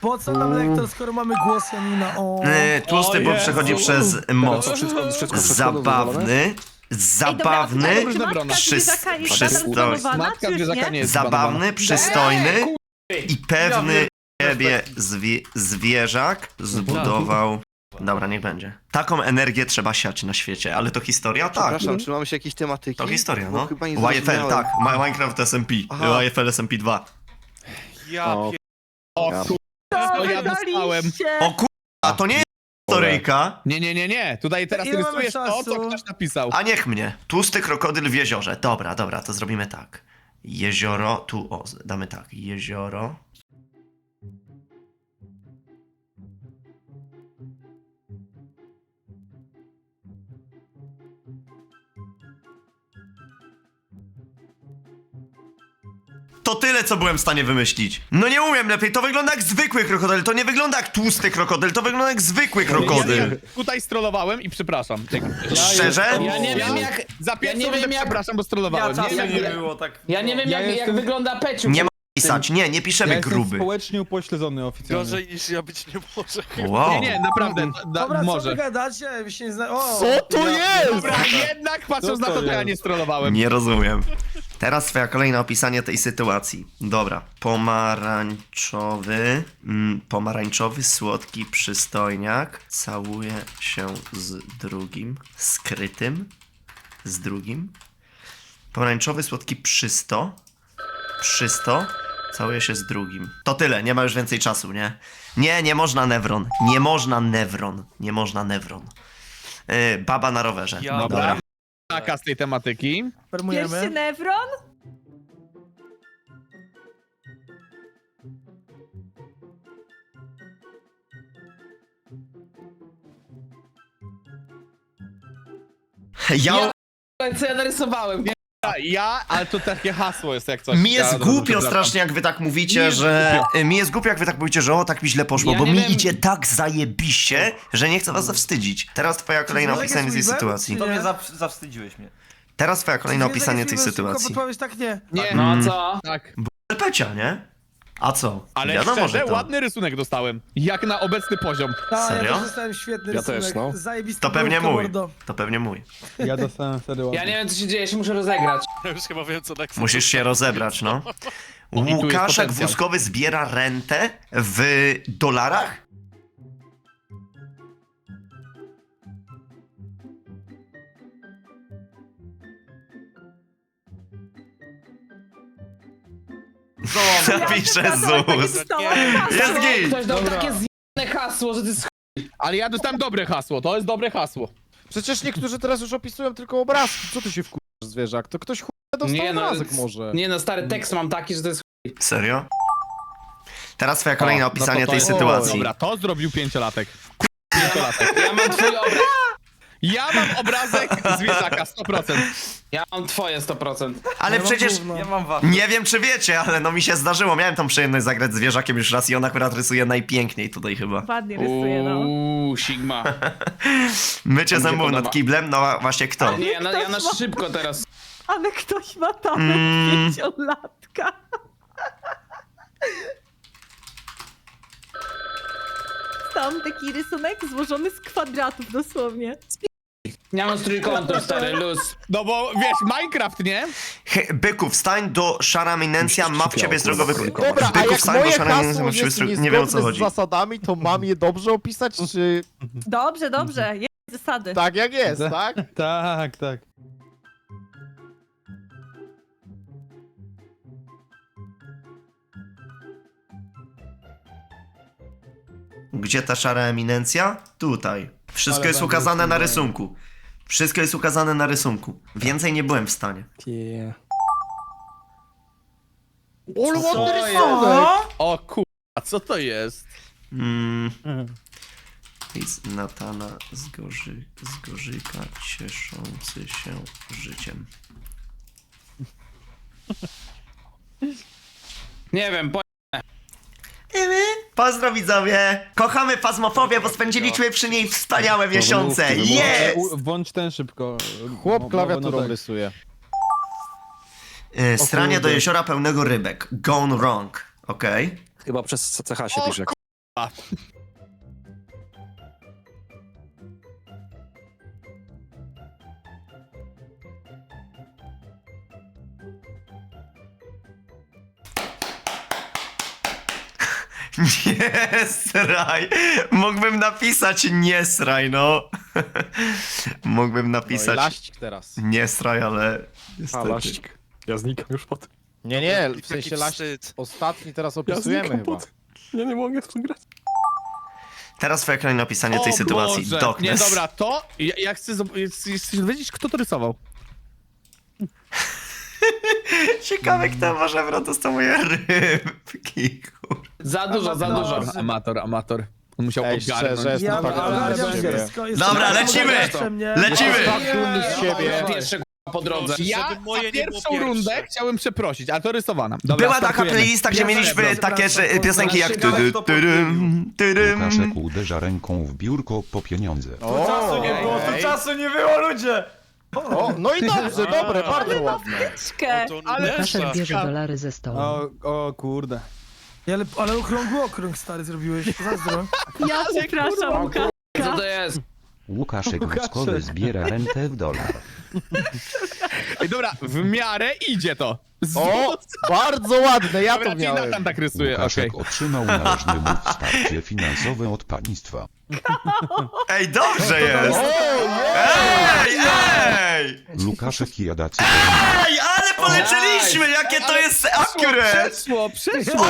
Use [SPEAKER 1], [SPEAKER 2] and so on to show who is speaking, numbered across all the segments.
[SPEAKER 1] Po co nam lektor, skoro mamy głos Janina? O.
[SPEAKER 2] Tłusty, bo przechodzi przez moc.
[SPEAKER 3] Wszystko
[SPEAKER 2] Zabawny. Zabawny.
[SPEAKER 4] Czy matka zwierzaka jest
[SPEAKER 2] przystojny.
[SPEAKER 4] zatransformowana,
[SPEAKER 5] Matka
[SPEAKER 4] czy już
[SPEAKER 5] zwierzaka nie
[SPEAKER 4] nie?
[SPEAKER 5] jest
[SPEAKER 2] Zabawny, przystojny i pewny siebie zwierzak zbudował. Dobra, niech będzie. Taką energię trzeba siać na świecie, ale to historia? Tak.
[SPEAKER 3] Przepraszam, czy mamy się jakieś tematyki?
[SPEAKER 2] To historia,
[SPEAKER 3] Bo
[SPEAKER 2] no.
[SPEAKER 3] chyba nie
[SPEAKER 2] YFL,
[SPEAKER 3] zrozumiałem.
[SPEAKER 2] tak. Minecraft SMP.
[SPEAKER 3] Aha.
[SPEAKER 2] YFL SMP 2.
[SPEAKER 5] O,
[SPEAKER 6] O,
[SPEAKER 5] to ja dostałem.
[SPEAKER 2] O a to nie jest historyjka.
[SPEAKER 5] Nie. Tutaj teraz
[SPEAKER 1] Ile mamy
[SPEAKER 5] rysujesz to, co
[SPEAKER 1] czasu?
[SPEAKER 5] ktoś napisał.
[SPEAKER 2] A niech mnie. Tłusty krokodyl w jeziorze. Dobra, to zrobimy tak. Jezioro, damy tak. Jezioro. To tyle, co byłem w stanie wymyślić. No nie umiem lepiej, to wygląda jak zwykły krokodyl, to nie wygląda jak tłusty krokodyl, to wygląda jak zwykły krokodyl.
[SPEAKER 5] Ja tutaj strollowałem i przepraszam.
[SPEAKER 2] Szczerze?
[SPEAKER 6] Ja nie wiem jak...
[SPEAKER 5] Za pierwszą
[SPEAKER 6] Ja nie
[SPEAKER 5] rundę
[SPEAKER 6] wiem, jak-
[SPEAKER 5] przepraszam, bo strollowałem.
[SPEAKER 6] Ja
[SPEAKER 5] Nie,
[SPEAKER 6] nie było tak... Ja nie wiem jak wygląda Peciu.
[SPEAKER 2] Nie ma pisać, nie piszemy gruby.
[SPEAKER 7] społecznie upośledzony oficjalnie.
[SPEAKER 8] Gorzej niż ja być nie może.
[SPEAKER 2] Wow.
[SPEAKER 5] nie, naprawdę,
[SPEAKER 1] Dobra, co
[SPEAKER 5] może.
[SPEAKER 1] wy gadacie? Wy się nie zna... O,
[SPEAKER 3] Co to jest?
[SPEAKER 5] Dobra, jednak patrząc
[SPEAKER 7] Co
[SPEAKER 5] na
[SPEAKER 7] to
[SPEAKER 5] to, to ja
[SPEAKER 7] jest?
[SPEAKER 5] nie strollowałem.
[SPEAKER 2] Nie rozumiem. Teraz twoja kolejne opisanie tej sytuacji. Dobra. Pomarańczowy, słodki przystojniak całuje się z drugim, skrytym, z drugim. Pomarańczowy, słodki przysto, całuje się z drugim. To tyle, nie ma już więcej czasu, nie? Nie można Nevron. Nie można Nevron. Baba na rowerze.
[SPEAKER 8] Ja-
[SPEAKER 5] Dobra. Taka z tej tematyki.
[SPEAKER 4] Pierwszy
[SPEAKER 1] Permujemy.
[SPEAKER 4] Nevron?
[SPEAKER 2] Ja
[SPEAKER 6] Co ja narysowałem?
[SPEAKER 5] Ale to takie hasło jest jak coś.
[SPEAKER 2] Mi jest
[SPEAKER 5] Ja
[SPEAKER 2] głupio
[SPEAKER 5] przepraszam.
[SPEAKER 2] strasznie, jak wy tak mówicie,
[SPEAKER 5] Mi jest
[SPEAKER 2] że... Mi jest głupio, jak wy tak mówicie, że o, tak mi źle poszło,
[SPEAKER 6] Ja
[SPEAKER 2] bo
[SPEAKER 6] nie
[SPEAKER 2] mi
[SPEAKER 6] wiem-
[SPEAKER 2] idzie tak zajebiście, że nie chcę was zawstydzić. Teraz twoja kolejna
[SPEAKER 1] Zwierzak
[SPEAKER 2] opisanie tej
[SPEAKER 1] jest
[SPEAKER 2] sytuacji.
[SPEAKER 1] Weavem, czy nie?
[SPEAKER 8] zawstydziłeś mnie.
[SPEAKER 2] Teraz twoja kolejna
[SPEAKER 1] Zwierzak
[SPEAKER 2] opisanie
[SPEAKER 1] jest
[SPEAKER 2] tej
[SPEAKER 1] Weavem, szybko
[SPEAKER 2] sytuacji.
[SPEAKER 1] podpowiedź, tak nie.
[SPEAKER 5] Nie,
[SPEAKER 6] No a co?
[SPEAKER 5] tak.
[SPEAKER 2] Pecia, nie? A co?
[SPEAKER 5] Ale
[SPEAKER 2] Wiadomo,
[SPEAKER 5] szczerze,
[SPEAKER 2] że to.
[SPEAKER 5] ładny rysunek dostałem. Jak na obecny poziom.
[SPEAKER 1] Tak,
[SPEAKER 2] Serio?
[SPEAKER 1] ja też dostałem świetny
[SPEAKER 3] Ja też,
[SPEAKER 1] rysunek.
[SPEAKER 3] no.
[SPEAKER 1] Zajebisty
[SPEAKER 2] To pewnie
[SPEAKER 1] brudka,
[SPEAKER 2] mój.
[SPEAKER 1] mordo.
[SPEAKER 2] To pewnie mój.
[SPEAKER 7] Ja dostałem wtedy ładnie.
[SPEAKER 6] Ja nie wiem co się dzieje, ja się muszę rozegrać.
[SPEAKER 8] Ja już chyba wiem co tak
[SPEAKER 2] Musisz się rozebrać, no.
[SPEAKER 5] tu jest
[SPEAKER 2] Łukaszek
[SPEAKER 5] potencjał.
[SPEAKER 2] Wózkowy zbiera rentę w dolarach? Napiszę ZUS. Jest git!
[SPEAKER 6] Ktoś dał takie zjebane hasło, że ty
[SPEAKER 5] Ale ja dostałem dobre hasło, to jest dobre hasło.
[SPEAKER 3] Przecież niektórzy teraz już opisują tylko obrazki. Co ty się wkurzasz, zwierzak? To ktoś dostał obrazek może.
[SPEAKER 6] Nie no, stary tekst mam taki, że to jest
[SPEAKER 2] Serio? Teraz twoja kolejna opisanie tej
[SPEAKER 3] jest-
[SPEAKER 2] sytuacji.
[SPEAKER 5] Dobra, to zrobił pięciolatek. Pięciolatek.
[SPEAKER 6] Ja mam twój obraz.
[SPEAKER 5] Ja mam obrazek zwierzaka, 100%.
[SPEAKER 6] Ja mam twoje 100%.
[SPEAKER 2] Ale
[SPEAKER 1] Ja mam
[SPEAKER 2] przecież
[SPEAKER 1] gówno.
[SPEAKER 8] Ja mam was.
[SPEAKER 2] nie wiem, czy wiecie, ale no mi się zdarzyło. Miałem tą przyjemność zagrać z zwierzakiem już raz i on akurat rysuje najpiękniej tutaj chyba.
[SPEAKER 4] Ładnie rysuje, no.
[SPEAKER 6] Sigma.
[SPEAKER 2] Mycie
[SPEAKER 6] Mi się
[SPEAKER 2] zębów
[SPEAKER 6] podoba.
[SPEAKER 2] nad kiblem, no właśnie kto?
[SPEAKER 6] Nie, ja na szybko teraz.
[SPEAKER 4] Ale ktoś ma talent pięciolatka. Tam taki rysunek złożony z kwadratów dosłownie.
[SPEAKER 6] Ja mam z trójkątem, stary, luz.
[SPEAKER 5] No bo wiesz, Minecraft, nie?
[SPEAKER 2] Byku, wstań do szara eminencja, ma w ciebie zdrowy
[SPEAKER 3] Dobra, a
[SPEAKER 2] Byku,
[SPEAKER 3] jak
[SPEAKER 2] wstań do
[SPEAKER 3] moje
[SPEAKER 2] szara eminencja,
[SPEAKER 3] hasło
[SPEAKER 2] ma w ciebie
[SPEAKER 3] jest
[SPEAKER 2] zdrowy... Nie wiem o co
[SPEAKER 3] niezgodne
[SPEAKER 2] chodzi.
[SPEAKER 3] z zasadami, to mam je dobrze opisać, czy
[SPEAKER 4] Dobrze, jest zasady.
[SPEAKER 3] tak jak jest, tak?
[SPEAKER 7] Tak.
[SPEAKER 2] Gdzie ta szara eminencja? Tutaj. Wszystko
[SPEAKER 7] Ale
[SPEAKER 2] jest
[SPEAKER 7] będę
[SPEAKER 2] ukazane na
[SPEAKER 7] rysował.
[SPEAKER 2] rysunku. Wszystko jest ukazane na rysunku. Więcej nie byłem w stanie.
[SPEAKER 3] Ale ładny
[SPEAKER 6] jest?
[SPEAKER 3] rysunek!
[SPEAKER 5] O kurwa, co to jest?
[SPEAKER 2] List Natana z Gorzyka cieszący się życiem.
[SPEAKER 6] Nie wiem,
[SPEAKER 2] Pozdro widzowie! Kochamy Fazmofobię, bo spędziliśmy przy niej wspaniałe miesiące! Jest!
[SPEAKER 7] Włącz ten szybko.
[SPEAKER 3] Chłop
[SPEAKER 7] Mo-
[SPEAKER 3] klawiaturą
[SPEAKER 7] mowę na tak.
[SPEAKER 3] rysuje.
[SPEAKER 2] Stranie do
[SPEAKER 7] kurde.
[SPEAKER 2] jeziora pełnego rybek. Gone wrong. Okej.
[SPEAKER 9] Chyba przez CH się pisze.
[SPEAKER 2] Nie sraj. Mógłbym napisać nie sraj, no. Mógłbym
[SPEAKER 3] No i
[SPEAKER 2] napisać
[SPEAKER 3] laścik teraz.
[SPEAKER 2] nie sraj, ale
[SPEAKER 3] A,
[SPEAKER 2] niestety.
[SPEAKER 3] laścik.
[SPEAKER 7] Ja znikam już po tym.
[SPEAKER 3] Nie, w
[SPEAKER 8] Jaki
[SPEAKER 3] sensie laścik.
[SPEAKER 8] wstyd.
[SPEAKER 3] Ostatni teraz opisujemy chyba.
[SPEAKER 7] Ja nie mogę w tym grać.
[SPEAKER 2] Teraz twoja kolejne opisanie tej sytuacji.
[SPEAKER 5] Boże.
[SPEAKER 2] Darkness.
[SPEAKER 5] Nie, dobra, to ja chcę wiedzieć, kto to rysował.
[SPEAKER 2] Ciekawe, kto może dostał moje rybki, kur...
[SPEAKER 6] Za dużo, za dużo.
[SPEAKER 5] Amator. On musiał
[SPEAKER 3] Ej,
[SPEAKER 5] ogarnąć.
[SPEAKER 3] szczerze, jestem
[SPEAKER 1] Ja
[SPEAKER 3] tak
[SPEAKER 1] ogarniam
[SPEAKER 3] dumny z siebie.
[SPEAKER 1] wszystko.
[SPEAKER 2] Dobra, lecimy! Lecimy!
[SPEAKER 3] Jestem tak dumny z siebie.
[SPEAKER 6] Pierwsze po drodze.
[SPEAKER 5] Ja
[SPEAKER 8] Żeby moje
[SPEAKER 5] za
[SPEAKER 8] nie było
[SPEAKER 5] pierwszą
[SPEAKER 8] pierwsze.
[SPEAKER 5] rundę chciałem przeprosić, ale to rysowana. Dobra,
[SPEAKER 2] Była taka
[SPEAKER 5] startujemy.
[SPEAKER 2] playlista, gdzie mieliśmy
[SPEAKER 1] Dobra,
[SPEAKER 2] takie że, piosenki jak
[SPEAKER 6] Szybko,
[SPEAKER 9] Łukaszek uderza ręką w biurko po pieniądze.
[SPEAKER 3] O, czasu nie było, to czasu nie było, ludzie! O, no i dobrze, dobre, bardzo ładne.
[SPEAKER 4] Czkę.
[SPEAKER 8] To
[SPEAKER 5] Ale
[SPEAKER 8] Nessa.
[SPEAKER 10] bierze dolary ze stołu.
[SPEAKER 7] O kurde.
[SPEAKER 1] Ale okrągły okrąg stary zrobiłeś. Zazdro.
[SPEAKER 4] Ja przepraszam, Łukasz.
[SPEAKER 6] Co to jest?
[SPEAKER 9] Łukaszek woskowy zbiera rentę w dolar.
[SPEAKER 5] Ej, dobra, w miarę idzie to.
[SPEAKER 3] O, bardzo ładne, ja
[SPEAKER 5] Dobra,
[SPEAKER 3] to
[SPEAKER 5] czyli
[SPEAKER 3] miałem.
[SPEAKER 5] Nathan tak rysuje,
[SPEAKER 9] Łukaszek
[SPEAKER 5] okej.
[SPEAKER 9] otrzymał należny mu wsparcie finansowe od państwa.
[SPEAKER 2] Ej, dobrze jest! Ej, ej!
[SPEAKER 9] Łukaszek jada cyklon.
[SPEAKER 2] Ej, ale polecieliśmy, jakie to jest accurate!
[SPEAKER 5] Przeszło!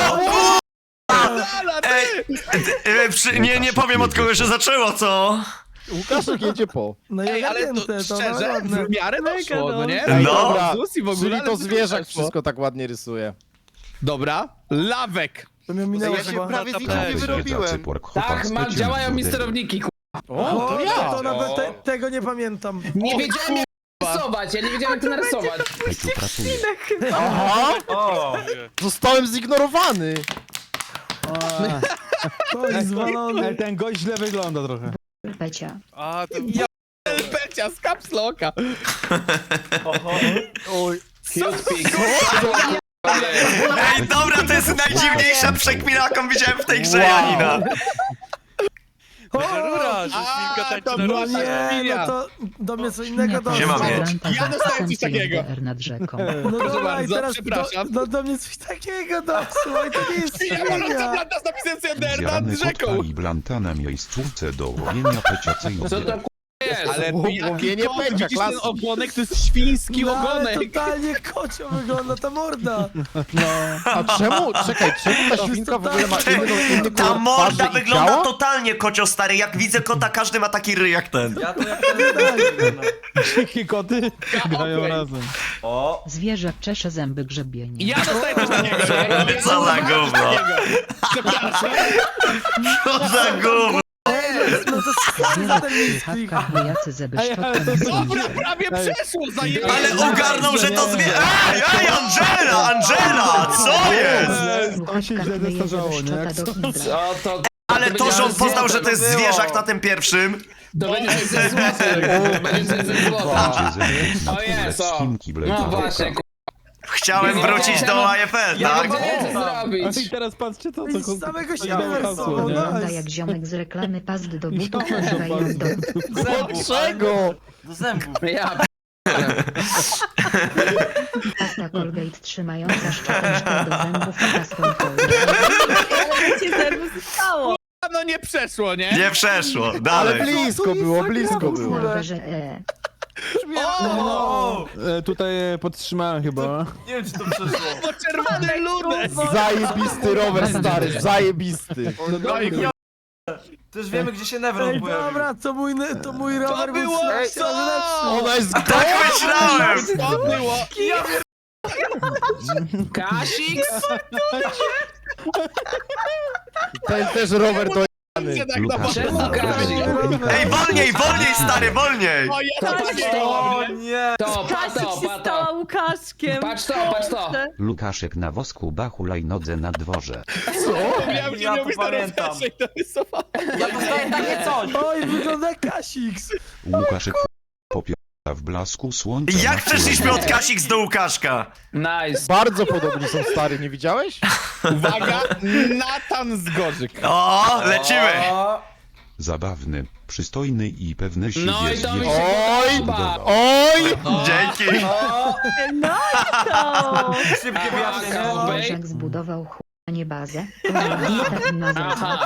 [SPEAKER 2] Ej, nie powiem od kogo się zaczęło, co?
[SPEAKER 3] Łukaszek jedzie po.
[SPEAKER 1] No i
[SPEAKER 5] Ej, ale to
[SPEAKER 1] ogarnięte,
[SPEAKER 5] szczerze,
[SPEAKER 1] ładne.
[SPEAKER 5] w miarę doszło, no nie?
[SPEAKER 2] No.
[SPEAKER 3] Dobra,
[SPEAKER 5] Zus i w ogóle,
[SPEAKER 3] czyli
[SPEAKER 5] ale
[SPEAKER 3] to
[SPEAKER 5] wszystko
[SPEAKER 3] zwierzak
[SPEAKER 5] przeszło.
[SPEAKER 3] wszystko tak ładnie rysuje.
[SPEAKER 5] Dobra, lawek.
[SPEAKER 1] To mnie minęło
[SPEAKER 8] Ja się
[SPEAKER 1] chyba.
[SPEAKER 8] prawie z nikim
[SPEAKER 9] Łukaszek
[SPEAKER 8] nie
[SPEAKER 9] jada
[SPEAKER 8] wyrobiłem.
[SPEAKER 9] cyborg chłopak
[SPEAKER 6] Tak,
[SPEAKER 9] z
[SPEAKER 6] ma,
[SPEAKER 9] peciem
[SPEAKER 6] działają
[SPEAKER 9] w
[SPEAKER 6] misterowniki,
[SPEAKER 3] O, to ja.
[SPEAKER 1] To nawet tego nie pamiętam.
[SPEAKER 6] Nie wiedziałem jak narysować, ja nie wiedziałem jak to narysować.
[SPEAKER 9] Peciu pracuje.
[SPEAKER 3] Aha, zostałem zignorowany.
[SPEAKER 1] To jest zwalony.
[SPEAKER 7] Ej, ten gość źle wygląda trochę.
[SPEAKER 10] Pecia.
[SPEAKER 8] A, to...
[SPEAKER 5] Pecia z kapsloka.
[SPEAKER 2] Ej, dobra, to jest najdziwniejsza przekmina, jaką widziałem w tej grze, Janina.
[SPEAKER 8] Rura, że świnka tańczy na
[SPEAKER 1] No
[SPEAKER 8] rurze.
[SPEAKER 1] nie, no to do mnie co innego doszło.
[SPEAKER 2] Siema, mieć.
[SPEAKER 5] Ja dostałem coś takiego.
[SPEAKER 10] nad rzeką.
[SPEAKER 1] No
[SPEAKER 5] Proszę
[SPEAKER 1] dobra, i
[SPEAKER 5] bardzo,
[SPEAKER 1] teraz
[SPEAKER 5] przepraszam.
[SPEAKER 1] do mnie coś takiego doszło i to nie jest
[SPEAKER 5] Ja mam
[SPEAKER 1] świnia.
[SPEAKER 5] planta z napisem Sender
[SPEAKER 9] Zjarany
[SPEAKER 5] nad
[SPEAKER 9] kotka
[SPEAKER 5] rzeką.
[SPEAKER 9] i blanta na miejscówce do łowienia pecia
[SPEAKER 6] Co to
[SPEAKER 9] cyjobie.
[SPEAKER 6] jest?
[SPEAKER 5] Ale
[SPEAKER 3] Łowienie
[SPEAKER 5] to,
[SPEAKER 3] pecia,
[SPEAKER 5] widzisz ten
[SPEAKER 3] klasyk.
[SPEAKER 5] ogonek, to jest świński
[SPEAKER 1] No, ale
[SPEAKER 5] ogonek.
[SPEAKER 1] totalnie kocio wygląda ta morda.
[SPEAKER 3] A czemu, czekaj, czemu ta świnka w ogóle ma inny
[SPEAKER 2] Ta
[SPEAKER 3] kolor
[SPEAKER 2] morda
[SPEAKER 3] twarzy i
[SPEAKER 2] wygląda
[SPEAKER 3] ciała?
[SPEAKER 2] totalnie kocio, stary. Jak widzę kota, każdy ma taki ryj jak ten.
[SPEAKER 7] Dzikie koty grają razem.
[SPEAKER 10] Zwierzak czesze zęby grzebienie.
[SPEAKER 5] Ja dostaję coś takiego.
[SPEAKER 2] Co za gówno.
[SPEAKER 5] Przepraszam.
[SPEAKER 2] Co za gówno.
[SPEAKER 1] No to
[SPEAKER 10] Zwierzak
[SPEAKER 1] ten
[SPEAKER 10] przy
[SPEAKER 1] misklik.
[SPEAKER 10] chatkach wojacy ze beszczotką
[SPEAKER 5] Dobra, prawie przeszło, zajebałem.
[SPEAKER 2] Ale ogarnął, że to zwie... Ej, Angela, Angela, co jest?
[SPEAKER 7] On się źle zestarzało, nie? Jak
[SPEAKER 10] do hidra.
[SPEAKER 6] Co to?
[SPEAKER 2] Ale to, że on poznał, że to jest zwierzak na tym pierwszym.
[SPEAKER 6] To będzie coś ze złotym. Będzie coś ze złota.
[SPEAKER 9] Pecie zębów na
[SPEAKER 6] O
[SPEAKER 9] tle
[SPEAKER 6] jest,
[SPEAKER 9] z
[SPEAKER 6] o.
[SPEAKER 9] Chinki
[SPEAKER 6] No
[SPEAKER 9] Blade
[SPEAKER 6] właśnie,
[SPEAKER 2] Chciałem wrócić do AFL,
[SPEAKER 6] ja
[SPEAKER 2] tak?
[SPEAKER 6] nie wiem co
[SPEAKER 7] A
[SPEAKER 6] zrobić.
[SPEAKER 7] i teraz patrzcie to,
[SPEAKER 1] Ej,
[SPEAKER 7] co
[SPEAKER 1] z samego
[SPEAKER 7] to
[SPEAKER 1] siebie
[SPEAKER 7] dało hasło,
[SPEAKER 1] rysował,
[SPEAKER 7] nie?
[SPEAKER 1] no.
[SPEAKER 10] Wygląda jak ziomek z reklamy pazdy do butów
[SPEAKER 7] Ziomek do
[SPEAKER 10] używają do...
[SPEAKER 3] Dlaczego?
[SPEAKER 6] Ja
[SPEAKER 10] Pasta Colgate trzymająca szczoteczkę do zębów i pastą Colgate.
[SPEAKER 4] Ale cię zerwu zostało.
[SPEAKER 5] No nie przeszło, nie?
[SPEAKER 2] Nie przeszło,
[SPEAKER 3] Ale
[SPEAKER 2] dalej.
[SPEAKER 3] blisko było, blisko
[SPEAKER 10] Na
[SPEAKER 3] było.
[SPEAKER 10] rowerze
[SPEAKER 7] Tutaj podtrzymałem chyba.
[SPEAKER 5] Bo czerwony lunek.
[SPEAKER 3] Zajebisty rower, stary, zajebisty.
[SPEAKER 11] Też wiemy, gdzie się
[SPEAKER 1] Ej,
[SPEAKER 11] Nevron pojawił.
[SPEAKER 1] dobra, to mój rower był
[SPEAKER 5] było
[SPEAKER 1] strasznie
[SPEAKER 5] co?
[SPEAKER 1] lepszy.
[SPEAKER 3] Ona jest
[SPEAKER 2] Tak myślałem.
[SPEAKER 5] To było.
[SPEAKER 6] Kasik?
[SPEAKER 3] ten też rower do...
[SPEAKER 5] Nie tak na
[SPEAKER 9] Łukaszek
[SPEAKER 6] Czemu Kasik?
[SPEAKER 2] Ej, wolniej, wolniej, stary, wolniej.
[SPEAKER 5] O, ja
[SPEAKER 6] To
[SPEAKER 5] to
[SPEAKER 6] patrz
[SPEAKER 11] O
[SPEAKER 6] to.
[SPEAKER 11] nie!
[SPEAKER 6] To,
[SPEAKER 4] Kasik się stała
[SPEAKER 6] pato.
[SPEAKER 4] Łukaszkiem.
[SPEAKER 6] Patrz to, patrz to.
[SPEAKER 4] Boże.
[SPEAKER 9] Łukaszek na wosku ba hulajnodze na dworze.
[SPEAKER 5] miałem,
[SPEAKER 11] Ja to pamiętam.
[SPEAKER 5] I to rysowałem.
[SPEAKER 11] Ja dostałem takie coś!
[SPEAKER 1] Oj, wygląda jak Kasiks.
[SPEAKER 9] Łukaszek po w blasku słońca.
[SPEAKER 2] Jak
[SPEAKER 9] na
[SPEAKER 2] przeszliśmy od
[SPEAKER 9] którym-
[SPEAKER 2] Kasik do Łukaszka?
[SPEAKER 6] Nice.
[SPEAKER 3] Bardzo podobni są, stary, nie widziałeś?
[SPEAKER 5] Uwaga, Natan z Gorzyk.
[SPEAKER 2] O, lecimy!
[SPEAKER 9] Zabawny, przystojny i pewny siebie
[SPEAKER 6] No i to mi
[SPEAKER 9] zwierzę.
[SPEAKER 6] się
[SPEAKER 3] Oj!
[SPEAKER 6] podoba.
[SPEAKER 3] Oj!
[SPEAKER 2] Dzięki!
[SPEAKER 4] No i to!
[SPEAKER 11] Szybkie wyjaśnienie.
[SPEAKER 10] Zwierzak zbudował chłopanie bazę. Dieta gimnazjalna.
[SPEAKER 6] Aha.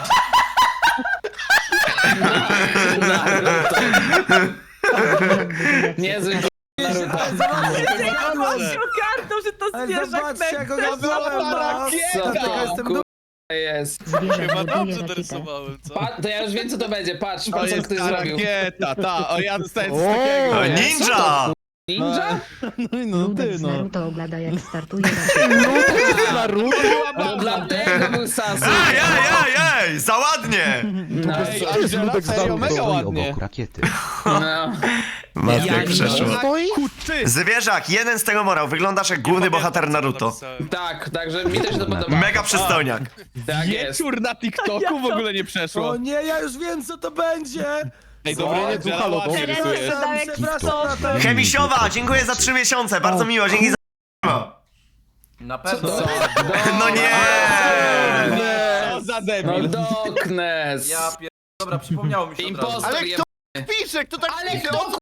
[SPEAKER 10] Zwierzak buduje
[SPEAKER 6] Niezły Naruto.
[SPEAKER 4] Zobaczcie, jak on kartą, że to
[SPEAKER 1] Ale
[SPEAKER 4] zwierzak
[SPEAKER 1] zobaczcie, jak go
[SPEAKER 4] Nexus.
[SPEAKER 1] nazwałem, no.
[SPEAKER 6] Co
[SPEAKER 1] Dlatego
[SPEAKER 6] to
[SPEAKER 1] jestem
[SPEAKER 6] kur... jest?
[SPEAKER 10] Zwierzak
[SPEAKER 8] Chyba
[SPEAKER 10] buduje
[SPEAKER 8] dobrze
[SPEAKER 10] rakietę.
[SPEAKER 8] dorysowałem, co?
[SPEAKER 6] To ja już wiem co to będzie, patrz,
[SPEAKER 5] To
[SPEAKER 6] patrz co
[SPEAKER 5] jest
[SPEAKER 6] ktoś
[SPEAKER 5] ta
[SPEAKER 6] zrobił.
[SPEAKER 5] rakieta, ta. O, ja dostałem coś
[SPEAKER 3] O!
[SPEAKER 5] takiego.
[SPEAKER 2] O,
[SPEAKER 5] nie?
[SPEAKER 2] ninja!
[SPEAKER 6] Ninja?
[SPEAKER 7] No i no,
[SPEAKER 10] Ludek
[SPEAKER 7] ty
[SPEAKER 10] z
[SPEAKER 7] no.
[SPEAKER 10] Naruto ogląda jak startuje rakieta.
[SPEAKER 3] Naruto?
[SPEAKER 6] No dlatego był Sasu.
[SPEAKER 2] Ej, ej, ej, ej! Za ładnie!
[SPEAKER 6] No,
[SPEAKER 3] Ej, ale
[SPEAKER 5] Angela,
[SPEAKER 3] Ludek
[SPEAKER 5] serio,
[SPEAKER 3] znał.
[SPEAKER 5] mega
[SPEAKER 9] Stoi
[SPEAKER 5] ładnie.
[SPEAKER 9] obok rakiety.
[SPEAKER 6] no.
[SPEAKER 2] Matek przeszło.
[SPEAKER 3] Stoi?
[SPEAKER 5] Kuty.
[SPEAKER 2] Zwierzak, jeden z tego morał. Wyglądasz jak główny bohater Naruto.
[SPEAKER 6] Tak, także mi też to podoba.
[SPEAKER 2] Mega przystojniak.
[SPEAKER 6] Tak jest.
[SPEAKER 5] Wieczór na TikToku w ogóle nie przeszło.
[SPEAKER 1] O nie, ja już wiem, co to będzie.
[SPEAKER 5] Ej, dobra, nie,
[SPEAKER 3] Angela,
[SPEAKER 5] Angela, ładnie
[SPEAKER 4] Teraz
[SPEAKER 5] rysujesz.
[SPEAKER 4] wyglądał jak
[SPEAKER 1] Przepraszam, Natan.
[SPEAKER 2] Chemisiowa, dziękuję za 3 miesiące. Bardzo miło, dzięki za...
[SPEAKER 11] Na pewno.
[SPEAKER 2] No nie!
[SPEAKER 5] Co za
[SPEAKER 6] No
[SPEAKER 5] debil.
[SPEAKER 6] Doknes.
[SPEAKER 11] Ja pier... Dobra, przypomniało mi się od razu.
[SPEAKER 6] Impostor
[SPEAKER 3] Ale
[SPEAKER 6] je...
[SPEAKER 3] kto pisze? Kto tak
[SPEAKER 6] Ale
[SPEAKER 3] pisze?
[SPEAKER 6] kto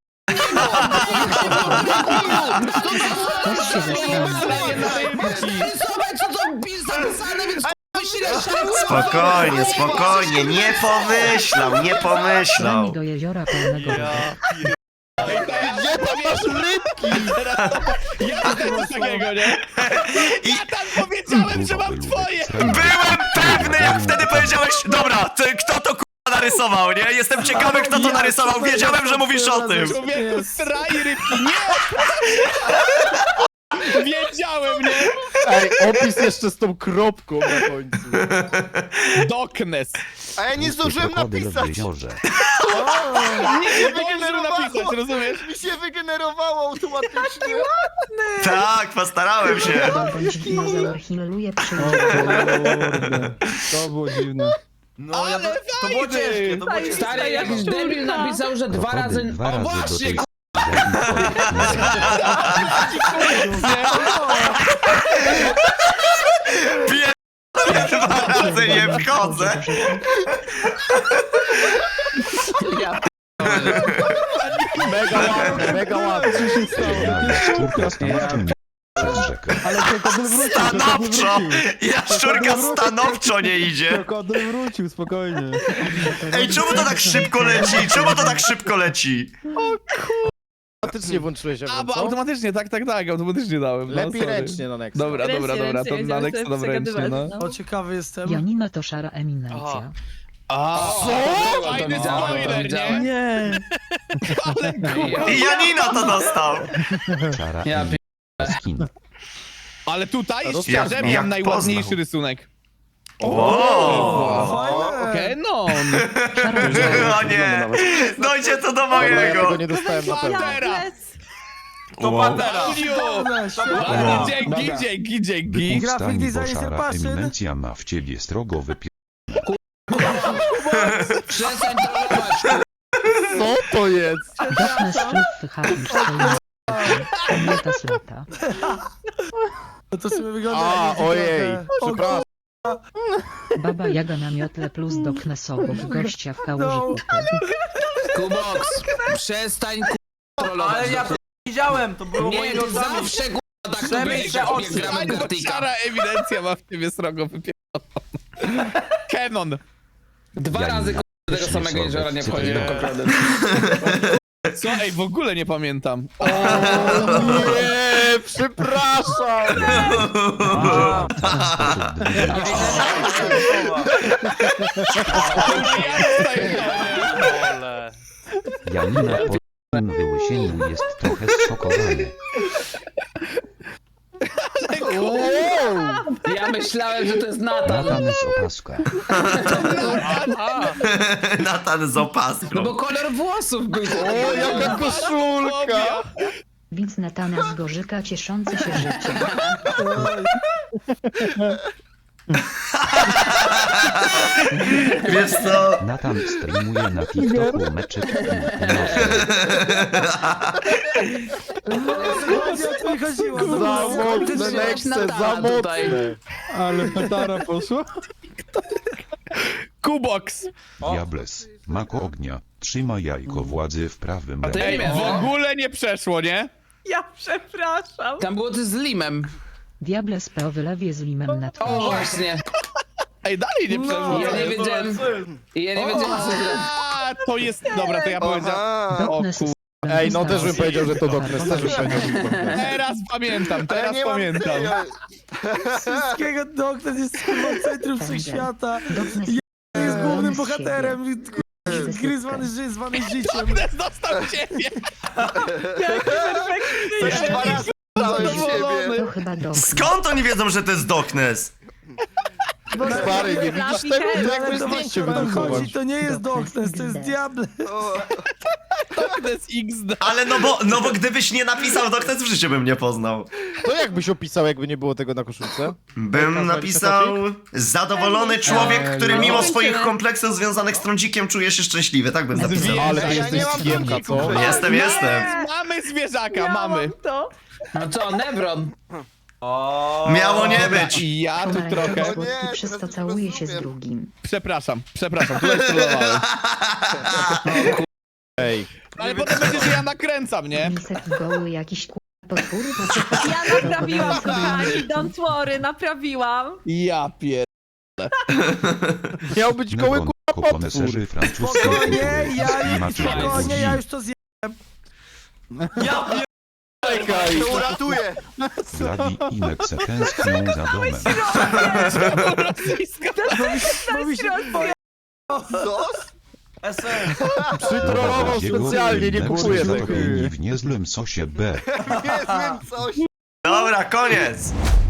[SPEAKER 10] Ktoś się zastanowił.
[SPEAKER 2] Spokojnie, spokojnie, nie pomyślał, nie pomyślał.
[SPEAKER 10] Wami do jeziora pełnego ryb.
[SPEAKER 3] Gdzie tam masz rybki?
[SPEAKER 5] Ja dostałem coś takiego, nie?
[SPEAKER 2] I
[SPEAKER 5] Ja tam powiedziałem, że mam twoje.
[SPEAKER 2] byłem pewny, jak wtedy powiedziałeś, dobra, kto to k***a narysował, nie? Jestem ciekawy, kto to narysował, wiedziałem, że mówisz o tym.
[SPEAKER 5] Człowieku, straj rybki, nie! Wiedziałem, nie?
[SPEAKER 3] Ej, opis jeszcze z tą kropką na końcu.
[SPEAKER 5] Doknes.
[SPEAKER 3] A ja nie zdążyłem
[SPEAKER 9] Krokodyl w
[SPEAKER 3] napisać.
[SPEAKER 9] jeziorze.
[SPEAKER 5] Nie zdążył napisać, rozumiesz?
[SPEAKER 3] Mi się wygenerowało automatycznie.
[SPEAKER 2] Tak, postarałem się.
[SPEAKER 10] Bądź dinozaur hilluje przyjdzie.
[SPEAKER 7] Kurde. To było dziwne.
[SPEAKER 11] No, ja to było ciężkie, to było ciężkie.
[SPEAKER 6] Stary, jakiś debil napisał, że dwa razy...
[SPEAKER 9] Krokodyl dwa
[SPEAKER 6] O
[SPEAKER 9] razy do
[SPEAKER 6] właśnie,
[SPEAKER 9] tej
[SPEAKER 6] k***.
[SPEAKER 2] Dwa razy nie wchodzę.
[SPEAKER 3] Mega ładne, mega ładne.
[SPEAKER 9] Szczurka stanowczym przez rzekę.
[SPEAKER 7] Ale krokodyl wrócił, krokodyl
[SPEAKER 2] Stanowczo!
[SPEAKER 7] wrócił.
[SPEAKER 2] Jaszczurka stanowczo nie idzie.
[SPEAKER 7] Krokodyl wrócił, spokojnie.
[SPEAKER 2] Ej, czemu to tak szybko leci? Czemu to tak szybko leci?
[SPEAKER 3] Automatycznie włączyłeś
[SPEAKER 5] A,
[SPEAKER 3] ją,
[SPEAKER 5] bo
[SPEAKER 3] co?
[SPEAKER 5] automatycznie, tak, automatycznie dałem. No,
[SPEAKER 3] Lepiej
[SPEAKER 5] sorry.
[SPEAKER 3] ręcznie na Nexa.
[SPEAKER 5] Dobra, dobra, dobra, to na Nexa dam ręcznie, no.
[SPEAKER 1] O, ciekawy jestem.
[SPEAKER 10] Janina to szara eminencja.
[SPEAKER 5] A,
[SPEAKER 6] To
[SPEAKER 5] fajny
[SPEAKER 6] widziałem, to
[SPEAKER 5] spoiler, nie?
[SPEAKER 6] widziałem.
[SPEAKER 1] Nie.
[SPEAKER 2] I Janina to dostał.
[SPEAKER 9] Czara
[SPEAKER 6] Ja
[SPEAKER 9] skin.
[SPEAKER 5] Ale tutaj
[SPEAKER 3] Jak-
[SPEAKER 5] szczerze
[SPEAKER 2] jak
[SPEAKER 5] miałem najładniejszy
[SPEAKER 2] poznał.
[SPEAKER 5] rysunek.
[SPEAKER 2] O,
[SPEAKER 1] Fajne.
[SPEAKER 5] Kenon!
[SPEAKER 2] o nie! Dojdzie to do
[SPEAKER 3] Dobra, ja
[SPEAKER 2] mojego.
[SPEAKER 3] tego nie dostałem na pewno.
[SPEAKER 4] Diables.
[SPEAKER 11] To Pantera.
[SPEAKER 1] Fajne, świetne.
[SPEAKER 5] Ładnie, dzięki, dzięki.
[SPEAKER 1] Grafik
[SPEAKER 9] Wypustań, bo
[SPEAKER 1] design
[SPEAKER 9] szara
[SPEAKER 1] passion.
[SPEAKER 9] eminencja ma w ciebie srogo wypie...
[SPEAKER 6] Przestań trollować,
[SPEAKER 3] Co to jest?
[SPEAKER 10] Doknes szluf wychawisz swoim lata z lata.
[SPEAKER 1] No to sobie wygląda
[SPEAKER 3] A,
[SPEAKER 1] jak
[SPEAKER 3] ojej,
[SPEAKER 1] trochę.
[SPEAKER 3] przepraszam.
[SPEAKER 10] Baba Jaga na miotle plus Doknes obok gościa w kałuży kupy.
[SPEAKER 6] Kubox, przestań trollować.
[SPEAKER 11] Ale ja to widziałem, to było moimi
[SPEAKER 6] Nie,
[SPEAKER 11] oczami.
[SPEAKER 6] zawsze tak to
[SPEAKER 11] Przemyśl
[SPEAKER 6] będzie,
[SPEAKER 11] te
[SPEAKER 6] jak
[SPEAKER 11] oczy.
[SPEAKER 6] gramy
[SPEAKER 5] Bo
[SPEAKER 6] Gartika.
[SPEAKER 5] szara ewidencja ma w ciebie srogo wypieloną. Kenon!
[SPEAKER 6] Dwa
[SPEAKER 9] Janina,
[SPEAKER 6] razy tego
[SPEAKER 9] śmieszne
[SPEAKER 6] samego jeziora nie wchodzi do
[SPEAKER 9] cytuję.
[SPEAKER 6] krokodyl.
[SPEAKER 5] Co? Ej, w ogóle nie pamiętam. O,
[SPEAKER 3] Nie, przepraszam.
[SPEAKER 5] ja dostaję
[SPEAKER 8] Ole.
[SPEAKER 9] Janina po tym wyłysieniu jest trochę zszokowany.
[SPEAKER 6] Ja myślałem, że to jest Natan.
[SPEAKER 9] Natan z opaska.
[SPEAKER 2] Natan z opaską.
[SPEAKER 6] No bo kolor włosów był.
[SPEAKER 3] O, jaka koszulka.
[SPEAKER 10] Widz Natana z Gorzyka cieszący się życiem.
[SPEAKER 2] Wiesz co?
[SPEAKER 9] Natan streamuje na TikToku meczyk
[SPEAKER 1] O co mi chodziło?
[SPEAKER 3] Za mocne Nexe, za mocne.
[SPEAKER 7] Ale petara poszła.
[SPEAKER 5] Kubox.
[SPEAKER 9] Diables, mako ognia, trzyma jajko władzy w prawym
[SPEAKER 6] to ja
[SPEAKER 5] Ej,
[SPEAKER 6] miałem.
[SPEAKER 5] w ogóle nie przeszło, nie?
[SPEAKER 4] Ja przepraszam.
[SPEAKER 6] Tam było to z limem.
[SPEAKER 10] Diables po wylewie z limem na
[SPEAKER 6] O,
[SPEAKER 10] twarzy.
[SPEAKER 6] właśnie.
[SPEAKER 5] Ej, dalej nie przeszło.
[SPEAKER 6] Ja nie wiedziałem. Ja nie wiedziałem, co zrobić.
[SPEAKER 5] A, to jest... Dobra, to ja powiedziałem... O
[SPEAKER 10] Doknes
[SPEAKER 5] kur...
[SPEAKER 3] Ej, no też bym powiedział, że to Doknes, też bym powiedział, że to Doknes.
[SPEAKER 5] Teraz pamiętam, teraz pamiętam.
[SPEAKER 1] Wszystkiego Doknes jest kurwa centrum wszechświata.
[SPEAKER 10] Doknes
[SPEAKER 1] Jest głównym
[SPEAKER 10] z
[SPEAKER 1] bohaterem. Gry zwany życiem.
[SPEAKER 5] Doknes dostał ciebie!
[SPEAKER 4] Perfekcyjnie.
[SPEAKER 3] Dwa razy
[SPEAKER 5] Zadowolony.
[SPEAKER 10] To chyba Doknes.
[SPEAKER 2] Skąd oni wiedzą, że to jest Doknes?
[SPEAKER 3] Stary, nie widzisz tego? To jakby zdjęcie wydrukować.
[SPEAKER 1] chodzi, to nie jest Doknes, to jest Diable.
[SPEAKER 5] Doknes XD.
[SPEAKER 2] Ale no bo gdybyś nie napisał Doknes, w życiu bym nie poznał.
[SPEAKER 3] To jakbyś opisał, jakby nie było tego na koszulce?
[SPEAKER 2] Bym napisał zadowolony człowiek, który mimo swoich kompleksów związanych z trądzikiem czuje się szczęśliwy. Tak bym napisał.
[SPEAKER 3] Ale ty jesteś skiemka, co?
[SPEAKER 2] Jestem.
[SPEAKER 5] Mamy zwierzaka, mamy.
[SPEAKER 4] Miałam to.
[SPEAKER 6] No co, Nebron?
[SPEAKER 11] O,
[SPEAKER 2] Miało nie być.
[SPEAKER 5] I ja tu
[SPEAKER 10] Pomarańczowy
[SPEAKER 5] trochę...
[SPEAKER 10] słodki, przez co całuje się z drugim.
[SPEAKER 5] Przepraszam, tutaj strollowałem.
[SPEAKER 3] Ej.
[SPEAKER 5] Ale potem będzie, że ja nakręcam, nie?
[SPEAKER 10] Lisek goły jakiś potwór?
[SPEAKER 4] Ja naprawiłam, kochani. Don't worry, naprawiłam.
[SPEAKER 5] Ja pier...
[SPEAKER 3] Miał być koły
[SPEAKER 9] Negon,
[SPEAKER 3] kurwa potwór.
[SPEAKER 9] koponeserzy francuskiej
[SPEAKER 1] Spokojnie,
[SPEAKER 9] kultury
[SPEAKER 1] ja
[SPEAKER 9] klimaty
[SPEAKER 1] spokojnie, ja już to zjem.
[SPEAKER 3] Czekaj.
[SPEAKER 9] Vladi i Nexe tęsknią za domem.
[SPEAKER 5] Rosyjska.
[SPEAKER 1] Bo mi się
[SPEAKER 11] SN.
[SPEAKER 3] Przytrolował
[SPEAKER 9] Vladiego
[SPEAKER 3] specjalnie, nie
[SPEAKER 9] i Nexe
[SPEAKER 3] kupuję tego.
[SPEAKER 9] zatopieni w niezłym sosie B.
[SPEAKER 2] Dobra, koniec.